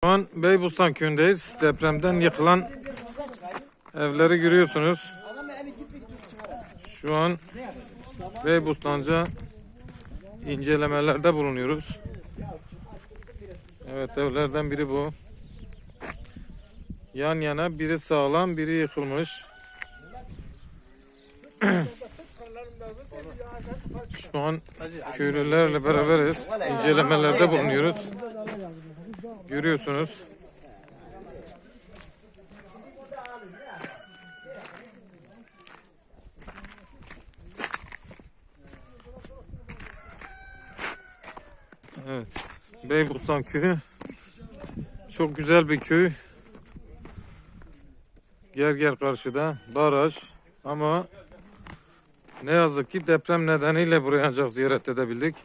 Şu an Beybustan köyündeyiz. Depremden yıkılan evleri görüyorsunuz. Şu an Beybustanca incelemelerde bulunuyoruz. Evet, evlerden biri bu. Yan yana, biri sağlam, biri yıkılmış. Şu an köylülerle beraberiz. İncelemelerde bulunuyoruz. Görüyorsunuz. Evet. Beybustan köyü. Çok güzel bir köy. Gerger karşıda baraj, ama ne yazık ki deprem nedeniyle burayı ancak ziyaret edebildik.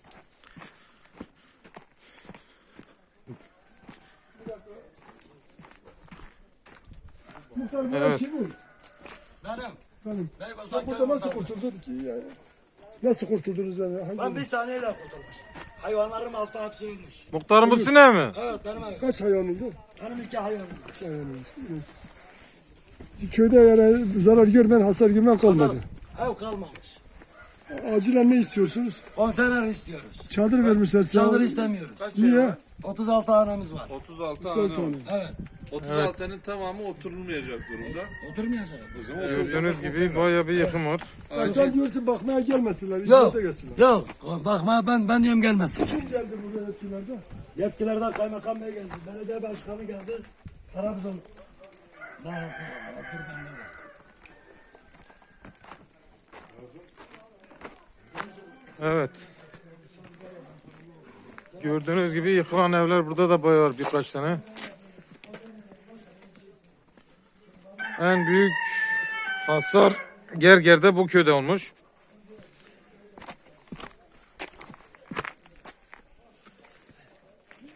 Evet. Benim. Sen Burada nasıl kurtuldun ki yani? Nasıl kurtuldunuz yani? Ben bir saniyeyle kurtulmuş. Hayvanlarım altta hapsiymiş. Muhtarım, bu sine mi? Evet benim evim. Kaç hayvan oldu? Benim 2 hayvanım. Köyde yani zarar görmeyen, hasar görmeyen kalmadı. Ev kalmamış. Acilen ne istiyorsunuz? Konteyner istiyoruz. Çadır vermişler size. Çadır istemiyoruz. Niye? 36 hanemiz var. 36 Güzel tane tane. var. Evet. 36'nın tamamı oturulmayacak durumda. Oturmayacak. O zaman Gördüğünüz gibi bayağı bir yıkım var. Ya sen diyorsun bakmaya gelmesinler, Yok. hizmete gelsinler. Yok. Bakma ben diyorum gelmesin. Kim geldi buraya yetkililerde? Yetkilerden kaymakam bey geldi. Belediye başkanı geldi. Trabzon. Evet. Gördüğünüz gibi yıkılan evler burada da bayağı var, birkaç tane. En büyük hasar Gerger'de, bu köyde olmuş.